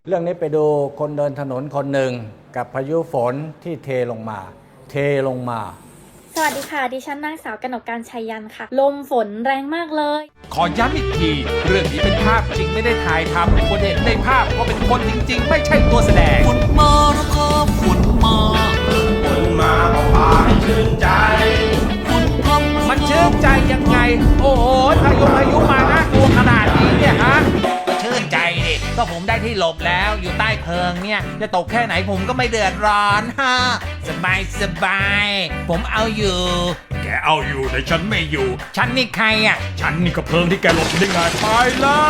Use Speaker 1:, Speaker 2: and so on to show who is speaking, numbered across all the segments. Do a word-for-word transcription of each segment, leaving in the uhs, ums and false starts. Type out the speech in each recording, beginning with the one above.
Speaker 1: เรื่องนี้ไปดูคนเดินถนนคนหนึ่งกับพายุฝนที่เทลงมา เทลงมา
Speaker 2: สวัสดีค่ะดิฉันนางสาวกนกการชัยยันค่ะลมฝนแรงมากเลย
Speaker 3: ขอย้ำอีกทีเรื่องนี้เป็นภาพจริงไม่ได้ถ่ายทำคนเห็นในภาพก็เป็นคนจริงๆไม่ใช่ตัวแสดง
Speaker 4: ฝนมาแล้วครับฝนมา
Speaker 5: ฝนมาก็พาให้ชื่นใจ
Speaker 4: ฝนพรำ
Speaker 3: มันชื่นใจยังไงโอ้โหพายุพายุมาน่ากลัวขนาดนี้เนี่ยฮะชื่นใจดิก็ผมได้ที่หลบแล้วอยู่ใต้เพลิงเนี่ยจะตกแค่ไหนผมก็ไม่เดือดร้อนฮะสบายสบายผมเอาอยู่
Speaker 5: แกเอาอยู่แต่ฉันไม่อยู่
Speaker 3: ฉันนี่ใครอ่ะ
Speaker 5: ฉันนี่ก็เพลิงที่แกหลบได้ไงไปแล้ว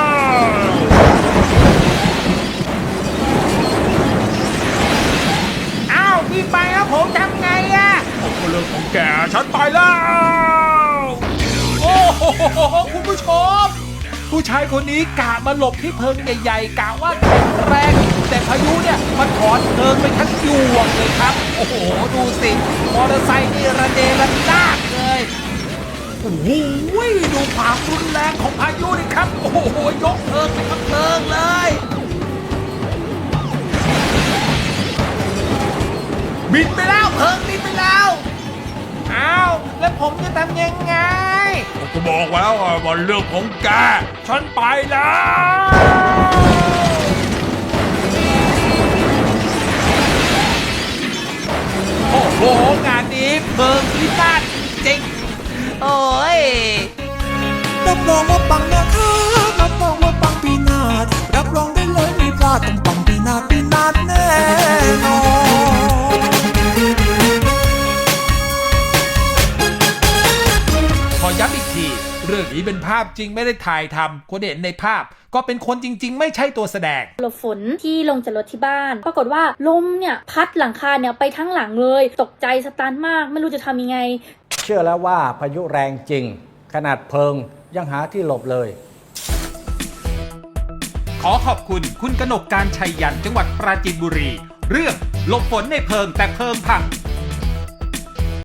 Speaker 3: อ้าวพี่ไปแล้วผมทำไงอ่ะ
Speaker 5: ผมก็เรื่องของแกฉันไปแล้ว
Speaker 3: โอ้โหคุณผู้ชมผู้ชายคนนี้กะมาหลบที่เพลิงใหญ่ๆกะว่าแข็งแรงแต่พายุเนี่ยมันถอนเพลิงไปทั้งยวงเลยครับโอ้โหดูสิมอเตอร์ไซค์นี่ระเนระนาดเลยโอ้โหดูความรุนแรงของพายุนี่ครับโอ้โหยกเพลิงไปทั้งเพลิงเลยบินไปแล้วเพลิงบินไปแล้วอ้าวแล้วผมจะทำยังไง
Speaker 5: ผมก็บอกแล้วว่าเรื่องของแกฉันไปแล้ว
Speaker 3: โอ้โหงานนี้เพลิงพินาศจริงโอ้ย
Speaker 4: รับรองว่าปังนะครับรับรองว่าปังปีนาศรับรองได้เลยไม่พลาดต้องปังปีนาศปีนาศแน่นอน
Speaker 3: ขอย้ำอีกทีเรื่องนี้เป็นภาพจริงไม่ได้ถ่ายทำคนเห็นในภาพก็เป็นคนจริงๆไม่ใช่ตัวแสดง
Speaker 2: หลบฝนที่ลงจากรถที่บ้านปรากฏว่าลมเนี่ยพัดหลังคาเนี่ยไปทั้งหลังเลยตกใจสตันมากไม่รู้จะทำยังไง
Speaker 1: เชื่อแล้วว่าพายุแรงจริงขนาดเพลิงยังหาที่หลบเลย
Speaker 3: ขอขอบคุณคุณกนกการชัยยันจังหวัดปราจีนบุรีเรื่องหลบฝนในเพลิงแต่เพลิงพัง